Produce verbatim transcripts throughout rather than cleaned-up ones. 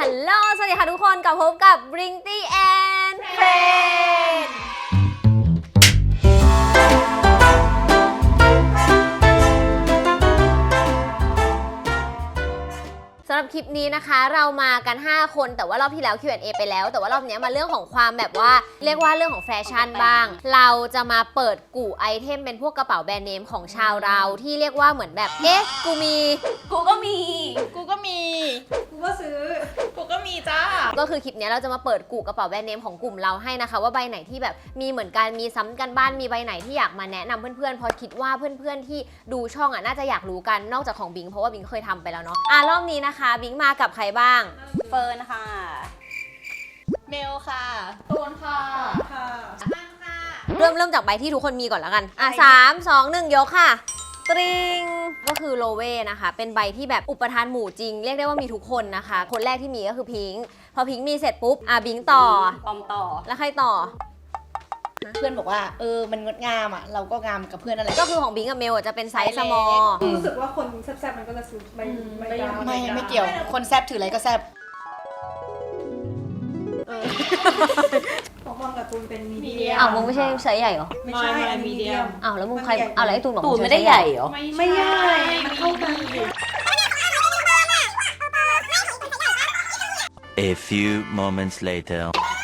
ฮัลโหลสวัสดีค่ะทุกคนกลับพบกับ Brinty and Friends สำหรับคลิปนี้นะคะเรามากันห้าคนแต่ว่ารอบที่แล้ว คิว แอนด์ เอ ไปแล้วแต่ว่ารอบนี้มาเรื่องของความแบบว่าเรียกว่าเรื่องของแฟชั่นบ้างเราจะมาเปิดกู่ไอเทมเป็นพวกกระเป๋าแบรนด์เนมของชาวเราที่เรียกว่าเหมือนแบบเอ๊ะกูมีกูก็มีกูก็มีกูก็ซื้อกูก็มีจ้าก็คือคลิปนี้เราจะมาเปิดกู่กระเป๋าแบรนด์เนมของกลุ่มเราให้นะคะว่าใบไหนที่แบบมีเหมือนกันมีซ้ำกันบ้านมีใบไหนที่อยากมาแนะนำเพื่อนๆเพราะคิดว่าเพื่อนๆที่ดูช่องอ่ะน่าจะอยากรู้กันนอกจากของบิงเพราะว่าบิงเคยทำไปแล้วเนาะอ่ะรอบนี้นะคะบิงมากับใครบ้างเฟิร์นค่ะเมลค่ะตูนค่ะค่ะนั่งค่ะเริ่มเริ่มจากใบที่ทุกคนมีก่อนแล้วกันอ่ะสามสองหนึ่งยกค่ะตริงก็คือโลเว่นะคะเป็นใบที่แบบอุปทานหมู่จริงเรียกได้ว่ามีทุกคนนะคะคนแรกที่มีก็คือพิงค์พอพิงค์มีเสร็จปุ๊บอ่ะบิงต่อปอมต่อแล้วใครต่อเพื่อนบอกว่าเออมันงดงามอ่ะเราก็งามกับเพื่อนนั่นแหละก็คือของบิงกับเมลจะเป็นไซส์สมอลรู้สึกว่าคนแซ่บๆมันก็จะซื้อไม่ไม่ไม่ไม่เกี่ยวคนแซบถืออะไรก็แซบของบอลกับตูนเป็นมีเดียมอ้าวมึงไม่ใช่ไซส์ใหญ่เหรอไม่ใช่มีเดียมอ้าวแล้วมึงใครอ้าวแล้วไอ้ตูนบอกตูนไม่ได้ใหญ่เหรอไม่ใช่มันเท่ากัน A few moments later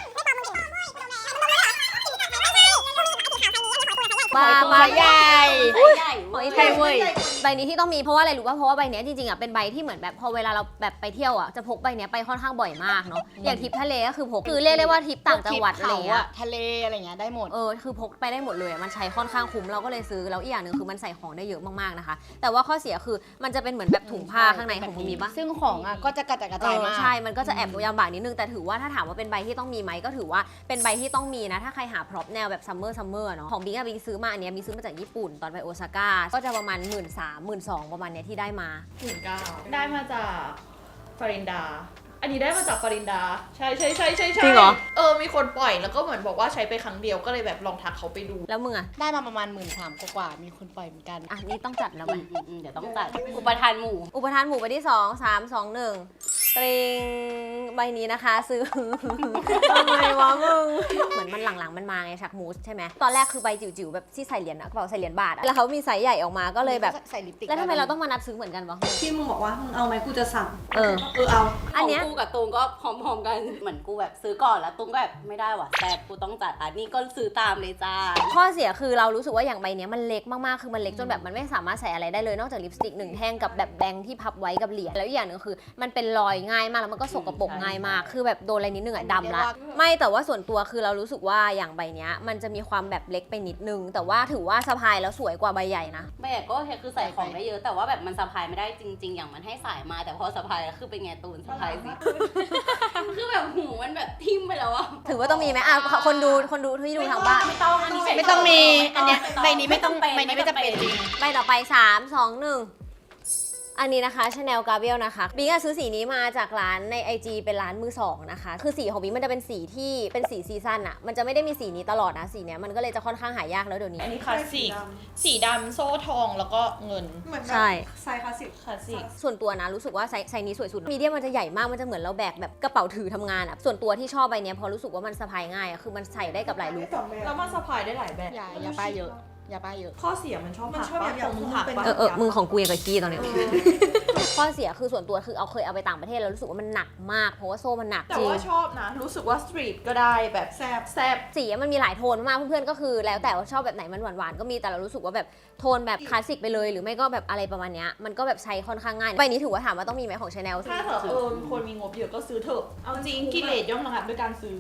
มามาใหญ่ใหญ่ใช่เว้ยใบนี้ที่ต้องมีเพราะว่าอะไรรู้ป่ะเพราะว่าใบนี้จริงๆอ่ะเป็นใบที่เหมือนแบบพอเวลาเราแบบไปเที่ยวอ่ะจะพกใบนี้ไปค่อนข้างบ่อยมากเนาะอย่างทริปทะเลก็คือพกคือเรียกได้ว่าทริปต่างจังหวัดอะไรเงี้ยทะเลอะไรเงี้ยได้หมดเออคือพกไปได้หมดเลยมันใช้ค่อนข้างคุ้มเราก็เลยซื้อแล้วอีกอย่างหนึ่งคือมันใส่ของได้เยอะมากๆนะคะแต่ว่าข้อเสียคือมันจะเป็นเหมือนแบบถุงผ้าข้างในของมึงมีป่ะซึ่งของอ่ะก็จะกระจายกระจายมากใช่มันก็จะแอบยำบากนิดนึงแต่ถือว่าถ้าถามว่าเป็นใบที่ต้องมีไหมก็ถือว่าเป็นใบที่ต้องมีนะถ้าใครหาพร็อพแนวแบบซัมเมอร์ซัมเมอร์เนาะของบิงอะบิงซื้อมาอันเนี้ยบิงซื้อมาจากญี่ปุ่นตอนไปโอซาก้าก็จะประมาณหมื่นสามหมื่นสองประมาณเนี้ยที่ได้มาหมื่นเก้าได้มาจากฟารินดาอันนี้ได้มาจากฟารินดาใช่ใช่ใช่ใช่ใช่จริงเหรอเออมีคนปล่อยแล้วก็เหมือนบอกว่าใช้ไปครั้งเดียวก็เลยแบบลองทักเขาไปดูแล้วมึงอะได้มาประมาณหมื่นสามกว่ามีคนปล่อยเหมือนกันอ่ะนี่ต้องจัดแล้วมั้ยเดี๋ยวต้องจัดอุปทานหมู่อุปทานหมู่ไปที่สองสามสองหนึ่งตริงใบนี้นะคะซื้อทำไมวะมึงเหมือนมันหลังๆมันมาไงชักมูสใช่ไหมตอนแรกคือใบจิ๋วๆแบบที่ใส่เหรียญนะกระเป๋าใส่เหรียญบาทแล้วเขามีไซส์ใหญ่ออกมาก็เลยแบบใส่ลิปสติกแล้วทำไมเราต้องมานัดซื้อเหมือนกันวะที่มึงบอกว่ามึงเอาไหมกูจะสั่งเออเออเอาอันเนี้ยกูกับตูงก็พร้อมๆกันเหมือนกูแบบซื้อก่อนแล้วตูงก็แบบไม่ได้ว่ะแต่กูต้องจัดอันนี้ก็ซื้อตามเลยจ้าข้อเสียคือเรารู้สึกว่าอย่างใบนี้มันเล็กมากๆคือมันเล็กจนแบบมันไม่สามารถใส่อะไรได้เลยนอกจากลิปสติกหนึ่งแท่งกับแบบแบงค์ที่พับไว้กับเหรียญแล้วอีกอย่างนึงคือมันเป็นรอยง่ายมากแล้วมันก็สกปรกง่ายมากคือแบบโดนอะไรนิดนึงอะดำละไม่แต่ว่าส่วนตัวคือเรารู้สึกว่าอย่างใบนี้มันจะมีความแบบเล็กไปนิดนึงแต่ว่าถือว่าสะพายแล้วสวยกว่าใบใหญ่นะใบใหญ่ก็คือใส่ของได้เยอะแต่ว่าแบบมันสะพายไม่ได้จริงๆอย่างมันให้สายมาแต่พอสะพายแล้วคือเป็นไงตูนสะพายสิคือแบบหูมันแบบทิ่มไปแล้วอะถือว่าต้องมีไหมอ่ะคนดูคนดูที่ดูทางบ้านไม่ต้องอันนี้ไม่ต้องมีอันนี้ใบนี้ไม่ต้องใบนี้ไม่จำเป็นจริงใบต่อไปสาม สอง หนึ่งอันนี้นะคะ Chanel Gabriel นะคะบิงอะซื้อสีนี้มาจากร้านใน ไอ จี เป็นร้านมือสองนะคะคือสีของบิงมันจะเป็นสีที่เป็นสีซีซั่นอะมันจะไม่ได้มีสีนี้ตลอดนะสีเนี้ยมันก็เลยจะค่อนข้างหายากแล้วเดี๋ยวนี้อันนี้คลาสสิกสีดำโซ่ทองแล้วก็เงินใช่ไซส์คลาสสิกคลาสสิกส่วนตัวนะรู้สึกว่าไซส์นี้สวยสุดมีเดียมันจะใหญ่มากมันจะเหมือนเราแบกแบบกระเป๋าถือทำงานอะส่วนตัวที่ชอบใบเนี้ยพอรู้สึกว่ามันสะพายง่ายอะคือมันใส่ได้กับหลายลุคแล้วมันสะพายได้หลายแบบอย่าอย่าป้ายเยอะอย่าป้ายเยอะข้อเสียมันชอบมันชอบแบบอย่างมึงหักเออเออมึงของกูยังกับกี้ตอนนี้ข้อเสียคือส่วนตัวคือเอาเคยเอาไปต่างประเทศแล้วรู้สึกว่ามันหนักมากเพราะว่าโซ่มันหนักจริงแต่ว่าชอบนะรู้สึกว่าสตรีทก็ได้แบบแซบแซบสีมันมีหลายโทนมากเพื่อนๆก็คือแล้วแต่ว่าชอบแบบไหนมันหวานๆก็มีแต่เรารู้สึกว่าแบบโทนแบบคลาสสิกไปเลยหรือไม่ก็แบบอะไรประมาณนี้มันก็แบบใช้ค่อนข้างง่ายใบนี้ถือว่าถามว่าต้องมีไหมของ Chanel ถ้าเถอะเออคนมีงบเยอะก็ซื้อเถอะเอาจริงกิเลสย่อมระงับด้วยการซื้อ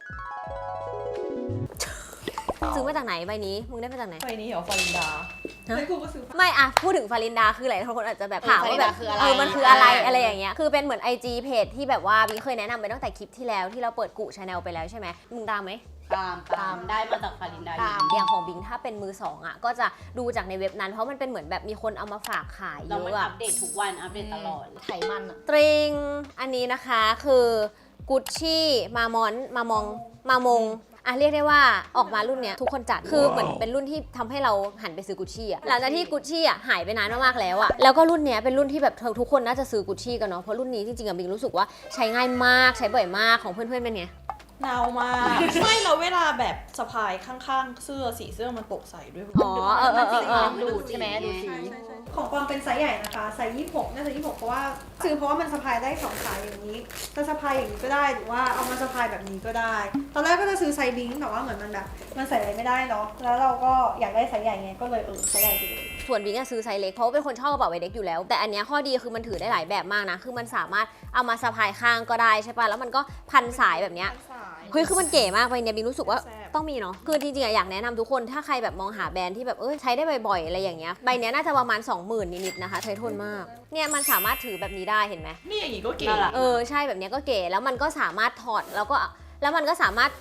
ซื้อมาจากไหนใบนี้มึงได้มาจากไหนใบนี้เหรอฟารินดาไม่กูก็ซื้อไม่อะพูดถึงฟารินดาคือหลายคนอาจจะแบบถามว่าแบบเออมันคืออะไรอะไรอย่างเงี้ยคือเป็นเหมือน ไอ จี เพจที่แบบว่าบิงเคยแนะนำไปตั้งแต่คลิปที่แล้วที่เราเปิดกู่ Chanel ไปแล้วใช่ไหมมึงตามไหมตามตามได้มาจากฟารินดาตามอย่างของบิงถ้าเป็นมือสองอ่ะก็จะดูจากในเว็บนั้นเพราะมันเป็นเหมือนแบบมีคนเอามาฝากขายเยอะอะอัปเดตทุกวันอัปเดตตลอดไขมันอะตริงอันนี้นะคะคือกุชชี่มามอนมามองมามงอ่ะเรียกได้ว่าออกมารุ่นเนี้ยทุกคนจัดคือเหมือนเป็นรุ่นที่ทำให้เราหันไปซื้อกุชชี่อะหลังจากที่กุชชี่อะหายไปนานมากๆแล้วอะแล้วก็รุ่นเนี้ยเป็นรุ่นที่แบบทุกคนน่าจะซื้อกุชชี่กันเนาะเพราะรุ่นนี้จริงๆอะบิงรู้สึกว่าใช้ง่ายมากใช้บ่อยมากของเพื่อนๆเป็นไงหนาวมากไม่เราเวลาแบบสะพายข้างๆเสื้อสีเสื้อมันตกใส่ด้วยอ๋อเออเออเออเออดูดใช่ไหมดูสีใช่ใช่ใช่ของปอมเป็นไซส์ใหญ่นะคะไซส์ยี่สิบหกน่าจะยี่สิบหกเพราะว่าซื้อเพราะว่ามันสะพายได้สองสายอย่างนี้จะสะพายอย่างนี้ก็ได้หรือว่าเอามาสะพายแบบนี้ก็ได้ ตอนแรกก็จะซื้อไซส์บิงแต่ว่าเหมือนมันแบบมันใส่อะไรไม่ได้เนาะแล้วเราก็อยากได้ไซส์ใหญ่ไงก็เลยเออไซส์ใหญ่ไปเลยส่วนบิงอะซื้อไซส์เล็กเพราะว่าเป็นคนชอบกระเป๋าใบเล็กอยู่แล้วแต่อันเนี้ยข้อดีคือมันถือได้หลายแบบมากนะคือมันสามารถเอามาสะพายข้างก็ได้ใช่ป่ะแล้วมันก็พันสายแบบเนี้ยเฮ้ยคือมันเก๋มากไปเนี่ยบิงรู้สึกว่าต้องมีเนาะคือจริงๆอะอยากแนะนำทุกคนถ้าใครแบบมองหาแบรนด์ที่แบบเออใช้ได้บ่อยๆอะไรอย่างเงี้ยใบเนี้ยน่าจะประมาณ สองหมื่น นิดๆนะคะใช้ทนมากเนี่ยมันสามารถถือแบบนี้ได้เห็นไหมนี่อย่างนี้ก็เก๋น่ารักเออใช่แบบเนี้ยก็เก๋แล้วมันก็สามารถถอดแล้วก็แล้วมันก็สามารถ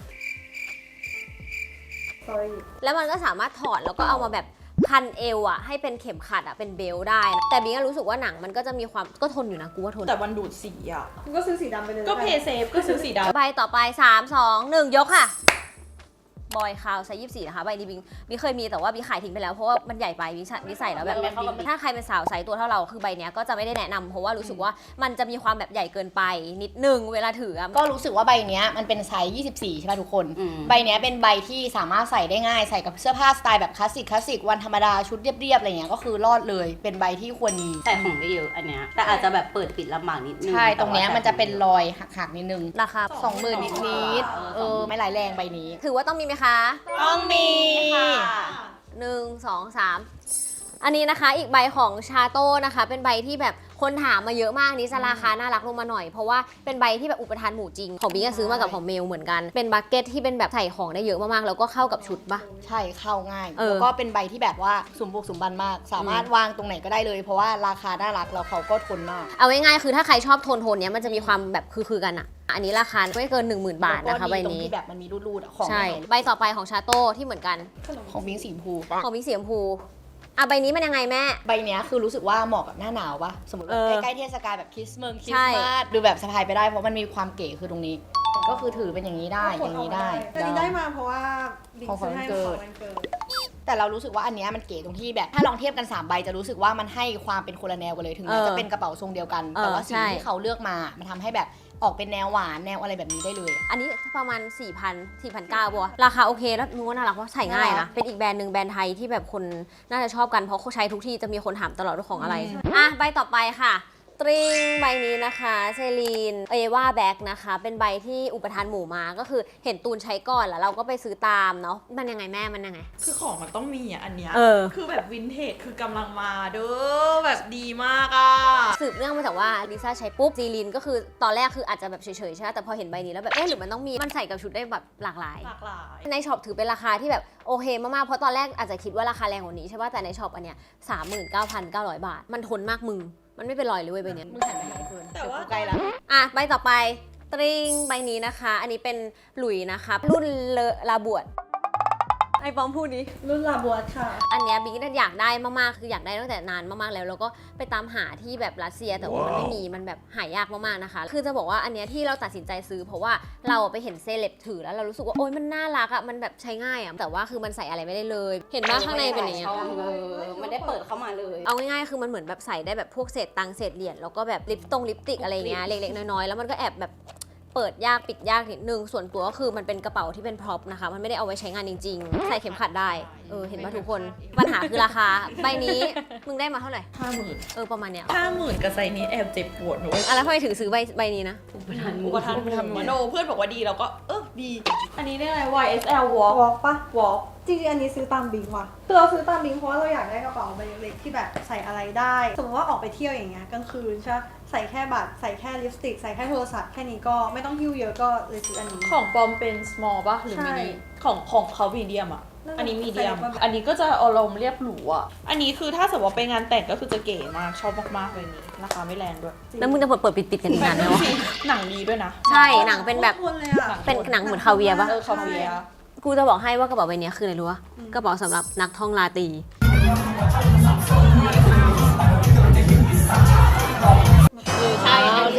sorry แล้วมันก็สามารถถอดแล้วก็เอามาแบบพันเอวอะให้เป็นเข็มขัดอะเป็นเบลต์ได้นะแต่บิงก็รู้สึกว่าหนังมันก็จะมีความก็ทนอยู่นะกูว่าทนแต่วันดูดสีอ่ะคุณก็ซื้อสีดำไปเลยก็เพย์เซฟก็ซื้อสีดำใบต่อไปสาม สอง หนึ่งยกค่ะบอยคาวไซส์ยี่สิบสี่นะคะใบนี้บิงบิงเคยมีแต่ว่าบิงขายทิ้งไปแล้วเพราะว่ามันใหญ่ไปบิงใส่บิงใส่แล้วแบบมันไม่เข้ากับบิงถ้าใครเป็นสาวไซส์ตัวเท่าเราคือใบเนี้ยก็จะไม่ได้แนะนำเพราะว่ารู้สึกว่ามันจะมีความแบบใหญ่เกินไปนิดนึงเวลาถืออะก็รู้สึกว่าใบเนี้ยมันเป็นไซส์ยี่สิบสี่ใช่ป่ะทุกคนอืมใบเนี้ยเป็นใบที่สามารถใส่ได้ง่ายใส่กับเสื้อผ้าสไตล์แบบคลาสสิกคลาสสิกวันธรรมดาชุดเรียบๆอะไรเงี้ยก็คือรอดเลยเป็นใบที่ควรมีใส่ของได้เยอะอันเนี้ยแต่อาจจะแบบเปิดปิดลำบากนิดนึงใช่ตรงเนี้ยมันจะเป็นรอยหักๆนิดนึงราคาสองหมื่นนิดๆเออไม่หลายแรงใบนี้ถือว่าต้องมีไหมคะต้องมีค่ะหนึ่ง สอง สามอันนี้นะคะอีกใบของชาโต้นะคะเป็นใบที่แบบคนถามมาเยอะมากนี้จะราคาน่ารักลงมาหน่อยเพราะว่าเป็นใบที่แบบอุปทานหมู่จริงของบิงก็ซื้อมากับของเมลเหมือนกันเป็นบักเก็ตที่เป็นแบบใส่ของได้เยอะมากๆแล้วก็เข้ากับชุดปะใช่เข้าง่ายเออแล้วก็เป็นใบที่แบบว่าสมบุกสมบันมาก สามารถวางตรงไหนก็ได้เลย เพราะว่าราคาน่ารักแล้วเขาก็ทนมากเอาง่ายๆคือถ้าใครชอบโทนโทนเนี้ยมันจะมีความแบบคือๆกันอะอันนี้ราคาไม่เกิน หนึ่งหมื่น บาทนะคะใบแล้วก็ดีตรงนี้ที่แบบมันมีรูดๆอะของใช่ไม่หายใบต่อไปของชาโต้ที่เหมือนกันของบิงสีชมพูของบิงสีชมพูอ่ะใบนี้มันยังไงแม่ใบเนี้ยคือรู้สึกว่าเหมาะกับหน้าหนาวปะสมมติว่าเออใกล้ๆเทศกาลแบบคริสต์มาสคริใช่สต์มาสดูแบบสะพายไปได้เพราะมันมีความเก๋คือตรงนี้ ก็คือถือเป็นอย่างนี้ได้อย่างนี้ได้แต่นี้ได้มาเพราะว่าบิ๊กของขวัซื้ญอให้วันเกิของดวันเกิดแต่เรารู้สึกว่าอันเนี้ยมันเก๋ตรงที่แบบถ้าลองเทียบกันสามใบจะรู้สึกว่ามันให้ความเป็นคนละแนวกันเลยถึงแม้เออจะเป็นกระเป๋าทรงเดียวกันเออแต่ว่าสีใช่ที่เขาเลือกมามันทำให้แบบออกเป็นแนวหวานแนวอะไรแบบนี้ได้เลยอันนี้ประมาณ สี่พัน สี่พันเก้าบัวราคาโอเคแล้วนูว่าน่ารักว่าใส่ง่ายน่ารันะกเป็นอีกแบรนด์หนึ่งแบรนด์ไทยที่แบบคนน่าจะชอบกันเพราะเขาใช้ทุกที่จะมีคนถามตลอดว่าของอะไรอ่ะใบต่อไปค่ะ ตริงใบนี้นะคะเซรีนเอว่าแบ็กนะคะเป็นใบที่อุปทานหมู่มาก็คือเห็นตูนใช้ก่อนแล้วเราก็ไปซื้อตามเนาะมันยังไงแม่มันยังไงคือของมันต้องมีอ่ะอันเนี้ยเออคือแบบวินเทจคือกำลังมาเด้อแบบดีมากอ่ะสืบเนื่องมาจากว่าลิซ่าใช้ปุ๊บซีลินก็คือตอนแรกคืออาจจะแบบเฉยๆใช่ไหมแต่พอเห็นใบนี้แล้วแบบเอ๊ะหรือมันต้องมีมันใส่กับชุดได้แบบหลากหลายหลากหลายในช็อปถือเป็นราคาที่แบบโอเคมากๆเพราะตอนแรกอาจจะคิดว่าราคาแรงกว่านี้ใช่ป่ะแต่ในช็อปอันเนี้ย สามหมื่นเก้าพันเก้าร้อย บาท มันทนมากมึงมันไม่เป็นรอยเลยเว้ยใบเนี้ยมึงหันไปไหนเฟิร์นแต่ว่าเดี๋ยกูใกล้แล้วอ่ะใบต่อไปตริงใบนี้นะคะ อันนี้เป็นหลุยนะคะรุ่นเลอลาบวดไอ้ปอมพูดดิรุ่นลาบัวค่ะอันเนี้ยบิ๊กอยากได้มากๆคืออยากได้ตั้งแต่นานมากๆแล้วแล้วก็ไปตามหาที่แบบรัสเซียแต่ว่ามันไม่มีมันแบบหายากมากๆนะคะ คือจะบอกว่าอันเนี้ยที่เราตัดสินใจซื้อเพราะว่าเราไปเห็นเซเลบถือแล้วเรารู้สึกว่าโอ๊ยมันน่ารักอ่ะมันแบบใช้ง่ายอ่ะแต่ว่าคือมันใส่อะไรไม่ได้เลย เห็นว่าข้างในเป็นอย่างเงี้ยช่องเออมันได้เปิดเข้ามาเลยเอาง่ายๆ คือมันเหมือนแบบใส่ได้แบบพวกเศษตังค์เศษเหรียญแล้วก็แบบลิปตรงลิปสติกอะไรเงี้ยเล็กๆน้อยๆแล้วมันก็แอบแบบเปิดยากปิดยากนิดนึงส่วนตัวก็คือมันเป็นกระเป๋าที่เป็นพร็อพนะคะมันไม่ได้เอาไว้ใช้งานจริงๆ ใส่เข็มขัดได้เออเห็นป่ะทุกคนปัญหาคือราคาใบนี้มึงได้มาเท่าไหร่ห้าหมื่นเออประมาณเนี้ยห้าหมื่นกับไซส์นี้แอบเจ็บปวดหนูอ่ะแล้วทำไมถึงซื้อใบใบนี้นะอุปทานหอุมู่ปทานทำมโนเพื่อนบอกว่าดีเราก็เออดี อันนี้ได้อะไร วาย เอส แอล Walk วอล์กปะ Walk จริงๆอันนี้ซื้อตามบิงว่ะคือเราซื้อตามบิงเพราะว่าเราอยากได้กระเป๋าใบเล็กๆที่แบบใส่อะไรได้ สมมติว่าออกไปเที่ยวอย่างเงี้ยกลางคืนใช่ปะใส่แค่บัตรใส่แค่ลิปสติกใส่แค่โทรศัพท์แค่นี้ก็ไม่ต้องหิ้วเยอะก็เลยซื้ออันนี้ของปอมเป็น small ป่ะหรือใช่ mini ของของเขา medium อ่ะนั่นแหละอันนี้ medium ใส่แบบอันนี้ก็จะอารมณ์เรียบหรูอ่ะ อันนี้คือถ้าสมมติว่าไปงานแต่งก็คือจะเก๋มากชอบมากๆเลยนี้ราคาไม่แรงด้วยแล้วมึงจะเปิดเปิดปิดปิดกันอีกนานไหมวะหนังดีด้วยนะใช่หนังเป็นแบบโคตรทนเลยอะเป็นหนังเหมือนคาเวียร์ปะเออคาเวียร์กูจะบอกให้ว่ากระเป๋าใบเนี้ยคืออะไรรู้ปะกระเป๋าสำหรับนักท่องราตรีใช่โอเค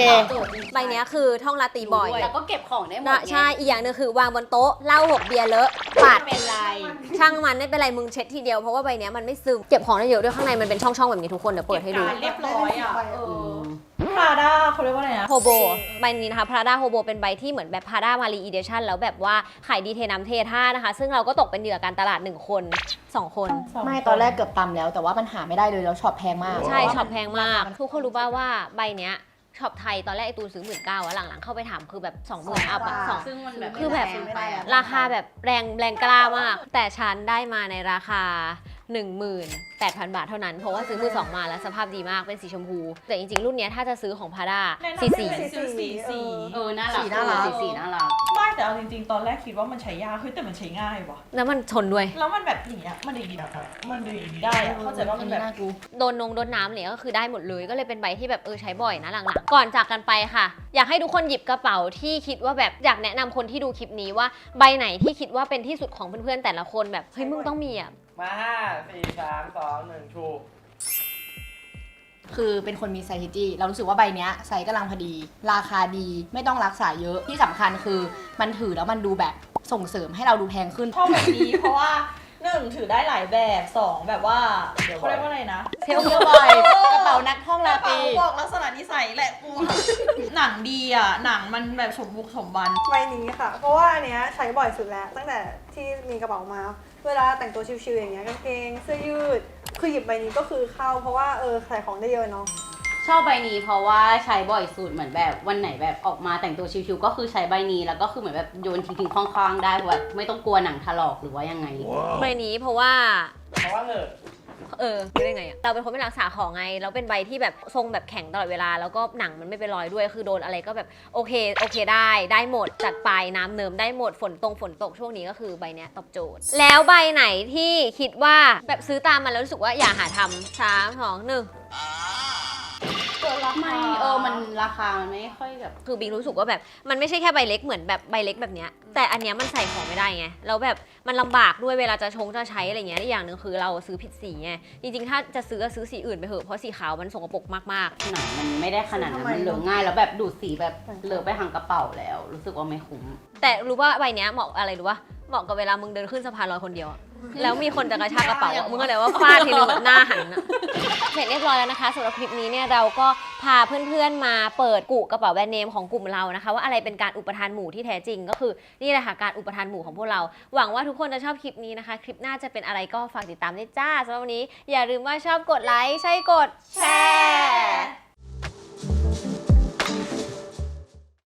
ใบเนี้ยคือท่องลาตีบ่อยแล้วก็เก็บของได้หมดนะไงใช่ อีกอย่างหนึงคือวางบนโต๊ะเหล้าหกเบียร์เลอะปัดไม่เป็นไรช่างมันไม่เป็นไรมึงเช็ดทีเดียวเพราะว่าใบเนี้ยมันไม่ซึมเก็บของได้เยอะด้วยข้างในมันเป็นช่องๆแบบนี้ทุกคนเดี๋ยวเปิดให้ดูเรียบร้อยอ่ะ เออือมพราด้าเขาเรียกว่าอะไรนะโฮโบใบนี้นะคะพราด้าโฮโบเป็นใบที่เหมือนแบบพราด้ามารีอีเดชั่นแล้วแบบว่าขายดีเทน้ำเทท่านะคะ ซึ่งเราก็ตกเป็นเหยื่อการตลาดหนึ่งคนสองคนไม่ตอนแรกเกือบตำแล้วแต่ว่ามันหาไม่ได้เลยแล้วช็อปแพงมากใช่ช็อปแพงมาก ทุกคนรู้ป่าวว่าใบเนี้ยช็อปไทยตอนแรกไอตูนซื้อหมื่นเก้าอะหลังๆเข้าไปถามคือแบบสองหมื่นอัพอะสองซึ่งมันแบบคือแบบไม่ได้อะราคาแบบแรงแรงกล้ามาก แต่ฉันได้มาในราคา หนึ่งหมื่นแปดพัน บาทเท่านั้นเพราะว่าซื้อมือสองมาแล้วสภาพดีมากเป็นสีชมพู แต่จริงๆ รุ่นเนี้ยถ้าจะซื้อของพาด้าแนะนำสีสีให้ซื้อสีสีเออน่ารักสีน่ารักสีสีน่ารักไม่แต่เอาจริงๆ ตอนแรกคิดว่ามันใช้ยากเฮ้ยแต่มันใช้ง่ายว่ะแล้วมันทนด้วยแล้วมันแบบอย่างเงี้ยมันดีอะมันดีได้อะเข้าใจว่ามันแบบน่ากูโดนนงโดนน้ำเนี่ยก็คือได้หมดเลยก็เลยเป็นใบที่แบบเออใช้บ่อยนะหลังๆ ก่อนจากกันไปค่ะ อยากให้ทุกคนหยิบกระเป๋าที่คิดว่าแบบอยากแนะนำคนที่ดูคลิปนี้ว่าใบไหนที่คิดว่าเป็นที่สุดของเพื่อนๆแต่ละคนแบบเฮ้ยมึงต้องมีอ่ะมาห้าสี่สามสองหนึ่งชูคือเป็นคนมีไซส์จี้เรารู้สึกว่าใบเนี้ยไซส์กำลังพอดี ราคาดีไม่ต้องรักษาเยอะที่สำคัญคือมันถือแล้วมันดูแบบส่งเสริมให้เราดูแพงขึ้นชอบแบบนี้เพราะว่าหนึ่งถือได้หลายแบบสองแบบว่าเขาเรียกว่าอะไรนะเทลเที่ยวบ่อยกระเป๋านักท่องกลาระตรีเป๋าบอกลักษณะนิสัยแหละกู หนังดีอ่ะ หนังมันแบบสมบุกสมบันใบนี้ค่ะ เพราะว่าอันเนี้ยใช้บ่อยสุดแล้ว ตั้งแต่ที่มีกระเป๋ามา เวลาแต่งตัวชิวๆอย่างเงี้ยกางเกงเสื้อยืด คือหยิบใบนี้ก็คือเข้า เพราะว่าเออใส่ของได้เยอะเนาะชอบใบนี้เพราะว่าใช้บ่อยสุดเหมือนแบบวันไหนแบบออกมาแต่งตัวชิวๆก็คือใช้ใบนี้แล้วก็คือเหมือนแบบโยนทิ้งๆคว้างๆได้เพราะแบบไม่ต้องกลัวหนังถลอกหรือว่ายังไงใบนี้เพราะว่าเพราะว่าเหอะเออรู้ได้ไงอะเราเป็นคนไม่รักษาของไงแล้วเป็นใบที่แบบทรงแบบแข็งตลอดเวลาแล้วก็หนังมันไม่เป็นรอยด้วยคือโดนอะไรก็แบบโอเคโอเคได้ได้หมดจัดไปน้ำเนิมได้หมดฝนตรงฝนตกช่วงนี้ก็คือใบเนี้ยตอบโจทย์ แล้วใบไหนที่คิดว่าแบบซื้อตามมันแล้วรู้สึกว่าอย่าหาทำสามสองหนึ่งไม่เออมันราคามันไม่ค่อยแบบคือบิ๊กรู้สึกว่าแบบมันไม่ใช่แค่ใบเล็กเหมือนแบบใบเล็กแบบเนี้ยแต่อันเนี้ยมันใส่ของไม่ได้ไงแล้วแบบมันลำบากด้วยเวลาจะชงจะใช้อะไรเงี้ยอีกอย่างหนึ่งคือเราซื้อผิดสีไงจริงๆถ้าจะซื้อก็ซื้อสีอื่นไปเถอะเพราะสีขาวมันสกปรกมากหนังมันไม่ได้ขนาดนั้นมันเหลืองง่ายแล้วแบบดูดสีแบบเหลือไปทางกระเป๋าแล้ว รู้สึกว่าไม่คุ้มๆแต่รู้ว่าใบเนี้ยเหมาะอะไรรู้ว่าเหมาะกับเวลามึงเดินขึ้นสะพานลอยคนเดียวอะแล้วมีคนจะกระชากกระเป๋าอะมึงก็เลยว่าฟาดทีนึงแบบหน้าหันอะเสร็จเรียบร้อยแล้วนะคะสำหรับคลิปนี้เนี่ยเราก็พาเพื่อนๆมาเปิดกุกระเป๋าแบรนด์เนมของกลุ่มเรานะคะว่าอะไรเป็นการอุปทานหมู่ที่แท้จริงก็คือนี่แหละค่ะการอุปทานหมู่ของพวกเราหวังว่าทุกคนจะชอบคลิปนี้นะคะคลิปหน้าจะเป็นอะไรก็ฝากติดตามด้วยจ้าสำหรับวันนี้อย่าลืมว่าชอบกดไลค์ใช่กดแชร์